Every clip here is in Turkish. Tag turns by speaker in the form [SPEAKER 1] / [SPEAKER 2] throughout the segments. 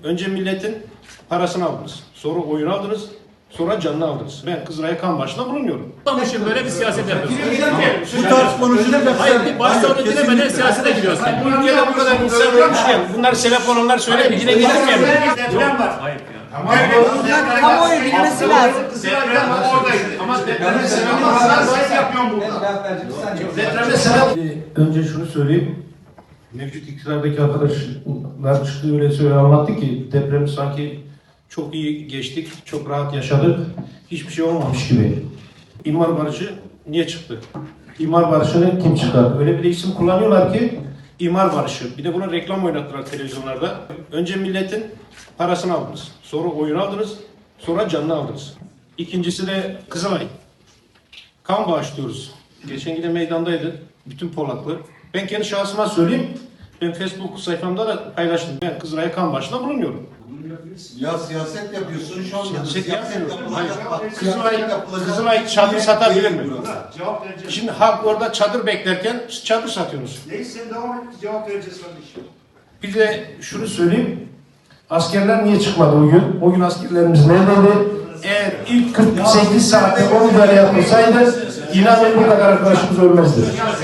[SPEAKER 1] Önce milletin parasını aldınız. Sonra oyunu aldınız. Sonra canını aldınız. Ben Kızılay'a kan başına bulunmuyorum.
[SPEAKER 2] Anlamışım, böyle bir siyaset yapıyorsun.
[SPEAKER 3] Bu tarz konuşulur.
[SPEAKER 2] Hayır, bir başsağlığı dilemeden siyasete giriyorsun.
[SPEAKER 1] Bu ülkede bu kadar insan varmışken bunlar sebep olanlar söyleyeyim. Yine getirmeyelim.
[SPEAKER 4] Deprem var.
[SPEAKER 2] Hayır ya.
[SPEAKER 5] Kamuoyu bilmesi lazım.
[SPEAKER 4] Deprem oradaydı. Ama depremde sebep olanlar yapıyorum burada. Depremde sebep...
[SPEAKER 1] Önce şunu söyleyeyim. Mevcut iktidardaki arkadaşlar çıktı öyle anlattı ki depremi sanki çok iyi geçtik, çok rahat yaşadık. Hiçbir şey olmamış gibi. İmar barışı niye çıktı? İmar barışını kim çıkardı? Öyle bir de isim kullanıyorlar ki imar barışı. Bir de buna reklam oynattılar televizyonlarda. Önce milletin parasını aldınız. Sonra oyunu aldınız. Sonra canını aldınız. İkincisi de Kızılay. Kan bağışlıyoruz. Geçen yine meydandaydı. Bütün Polaklı. Ben kendi şahsıma söyleyeyim. Ben Facebook sayfamda da paylaştım. Ben Kızılay'a kan bağışında bulunmuyorum.
[SPEAKER 3] Ya siyaset yapıyorsun şu anda.
[SPEAKER 1] Siyaset yapmıyorum. Hayır. Kızılay çadır satabilir mi?
[SPEAKER 4] Cevap vereceğiz.
[SPEAKER 1] Şimdi halk orada çadır beklerken çadır satıyorsunuz.
[SPEAKER 4] Neyse sen devam et. Cevap vereceğiz kardeşim.
[SPEAKER 1] Bir de şunu söyleyeyim. Askerler niye çıkmadı o gün? O gün askerlerimiz neredeydi? Eğer ilk 48 saatte o müdahale yapılsaydı inanın bu kadar arkadaşımız ölmezdi.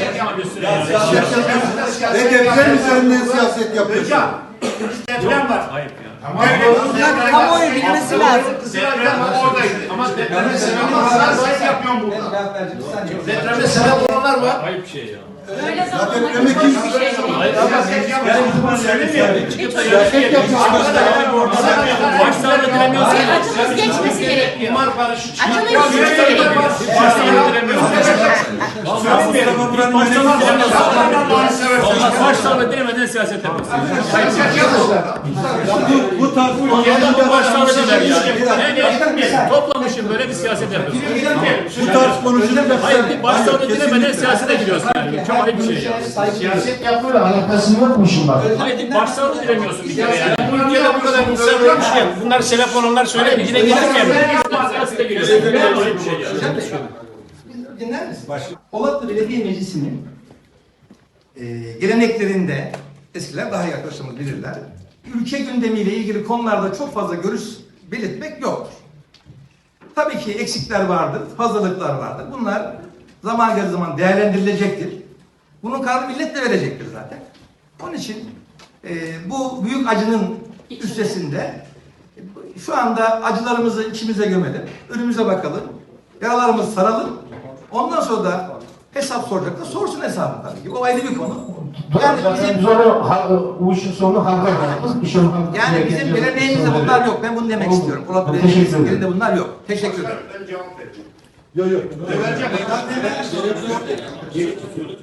[SPEAKER 3] Ve deprem üzerinden siyaset yapıyorsun.
[SPEAKER 4] Hocam, deprem var.
[SPEAKER 2] Hayır ya.
[SPEAKER 5] Bunlar kamuoyu bilmesi lazım.
[SPEAKER 4] Deprem oradaydı. Ama depremde sebep olanlar yapıyorum burada.
[SPEAKER 1] Depremde sebep olanlar var.
[SPEAKER 2] Hayır bir şey ya.
[SPEAKER 3] Ya depreme kim?
[SPEAKER 2] Hayır ama başsağlığı dilemiyorsun.
[SPEAKER 6] Acımız geçmesi gerekiyor.
[SPEAKER 1] İmar barışı
[SPEAKER 6] Acının geçmesi gerekiyor.
[SPEAKER 2] Başsağlığı dilemiyorsun. Başsağlığı dilemeden siyaset yapıyorsun.
[SPEAKER 3] Bu tarz
[SPEAKER 2] Bu başsağlığı diler ya. Toplamışım, böyle bir siyaset yapıyorsun.
[SPEAKER 3] bu tarz konuşulur.
[SPEAKER 2] Hayır, bir başsağlığı dilemeden siyasete giriyorsun yani. Çok ayıp bir şey ya.
[SPEAKER 1] siyaset yapmıyor, alakası yokmuş bak.
[SPEAKER 2] Hayır, bir başsağlığı dilemiyorsun bir kere yani.
[SPEAKER 1] Bu ülkede bu kadar insan varmışken bunlar sebep olanlar söyleyeyim. Yine getirmeyelim.
[SPEAKER 2] Siyasete giriyorsun. Çok ayıp bir şey ya.
[SPEAKER 7] Dinler misin? Polatlı Belediye Meclisi'nin geleneklerinde eskiler daha iyi arkadaşlarımız bilirler. Ülke gündemiyle ilgili konularda çok fazla görüş belirtmek yoktur. Tabii ki eksikler vardır, fazlalıklar vardır. Bunlar zaman geldiği zaman değerlendirilecektir. Bunun kararını millet de verecektir zaten. Onun için bu büyük acının üstesinde şu anda acılarımızı içimize gömelim, önümüze bakalım, yaralarımızı saralım. Ondan sonra da hesap soracak da sorsun hesabı tabii ki. O ayrı bir konu. Yani bizim,
[SPEAKER 1] bu işin sonu halka bırakırız.
[SPEAKER 7] yani bizim geleneğimizde bunlar yok. Ben bunu demek istiyorum. Polat Belediye'nin de bunlar yok. Teşekkür ederim.
[SPEAKER 4] Ben cevap vereceğim.
[SPEAKER 3] Yok yok.